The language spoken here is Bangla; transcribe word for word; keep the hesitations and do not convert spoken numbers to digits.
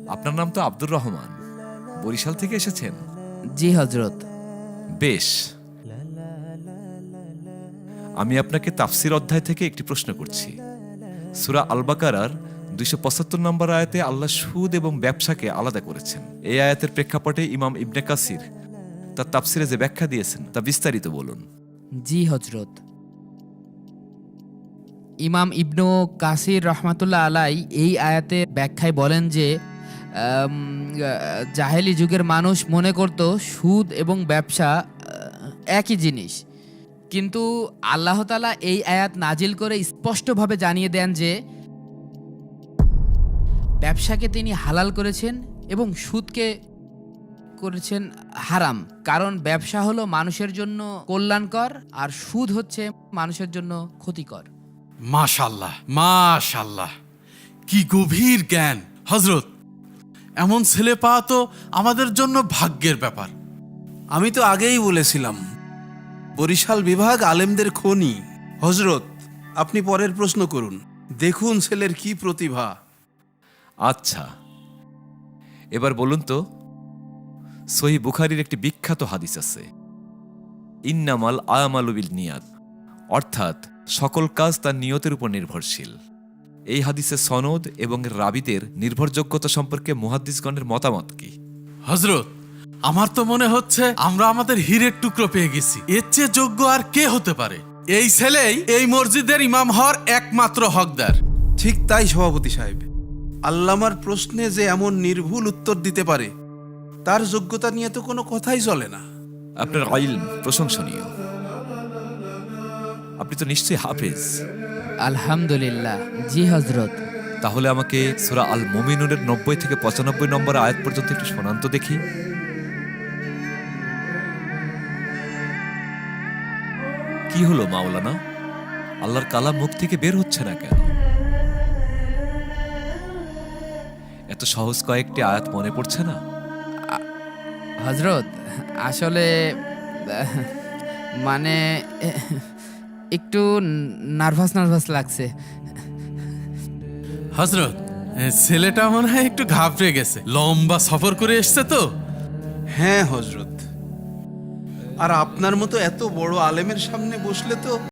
আপনার নাম তো আব্দুর রহমান, বরিশাল থেকে এসেছেন? জি হজরত। বেশ, আমি আপনাকে তাফসির অধ্যায় থেকে একটি প্রশ্ন করছি। সূরা আল বাকারার দুইশো পঁচাত্তর নম্বর আয়াতে আল্লাহ সুদ এবং ব্যবসাকে আলাদা করেছেন। এই আয়াতের প্রেক্ষাপটে ইমাম ইবনে কাসির তার তাফসিরে যে ব্যাখ্যা দিয়েছেন তা বিস্তারিত বলুন। জি হজরত। ইমাম ইবনু কাসির রহমাতুল্লাহ আলাই এই আয়াতে ব্যাখ্যায় বলেন যে আম, জাহেলি যুগের মানুষ মনে করত সুদ এবং ব্যবসা আহ, একই জিনিস, কিন্তু আল্লাহ তাআলা এই আয়াত নাজিল করে স্পষ্টভাবে জানিয়ে দেন যে ব্যবসাকে তিনি হালাল করেছেন এবং সুদকে করেছেন হারাম, কারণ ব্যবসা হলো মানুষের জন্য কল্যাণকর আর সুদ হচ্ছে মানুষের জন্য ক্ষতিকর। মাশাল্লাহ, মাশাল্লাহ, কি গভীর জ্ঞান হযরত। এমন ছেলে পাওয়া তো আমাদের জন্য ভাগ্যের ব্যাপার। আমি তো আগেই বলেছিলাম, বরিশাল বিভাগ আলেমদের খনি। হযরত, আপনি পরের প্রশ্ন করুন। দেখুন ছেলের কি প্রতিভা। আচ্ছা, এবার বলুন তো, সহিহ বুখারীর একটি বিখ্যাত হাদিস আছে, ইন্নামাল আমালু বিল নিয়াত, অর্থাৎ সকল কাজ তার নিয়তের উপর নির্ভরশীল। এই হাদিসের সনদ এবং রাবীদের নির্ভরযোগ্যতা সম্পর্কে মুহাদ্দিসগণের মতামত কি? হযরত, আমার তো মনে হচ্ছে আমরা আমাদের হীরের টুকরো পেয়ে গেছি। এর চেয়ে যোগ্য আর কে হতে পারে? এই ছেলেই এই মসজিদের ইমাম হওয়ার একমাত্র হকদার। ঠিক তাই সভাপতি সাহেব, আল্লামার প্রশ্নে যে এমন নির্ভুল উত্তর দিতে পারে, তার যোগ্যতা নিয়ে তো কোনো কথাই চলে না। আপনার ইলম প্রশংসনীয়। আপনি তো নিশ্চয়ই হাফেজ। আলহামদুলিল্লাহ। জি হজরত। তাহলে আমাকে সূরা আল মুমিনুনের নব্বই থেকে পঁচানব্বই নম্বর আয়াত পর্যন্ত একটু শোনান তো দেখি। কি হলো মাওলানা, আল্লাহর কালাম মুখ থেকে বের হচ্ছে না কেন? এত সহজ কয়েকটি আয়াত মনে পড়ছে না? হজরত, আসলে আহ, মানে এহ, একটু নার্ভাস নার্ভাস লাগছে। হযরত, এ ছেলেটা মনে হয় একটু ঘাবড়ে গেছে, লম্বা সফর করে এসছে তো। হ্যাঁ হযরত, আর আপনার মতো এত বড় আলেমের সামনে বসলে তো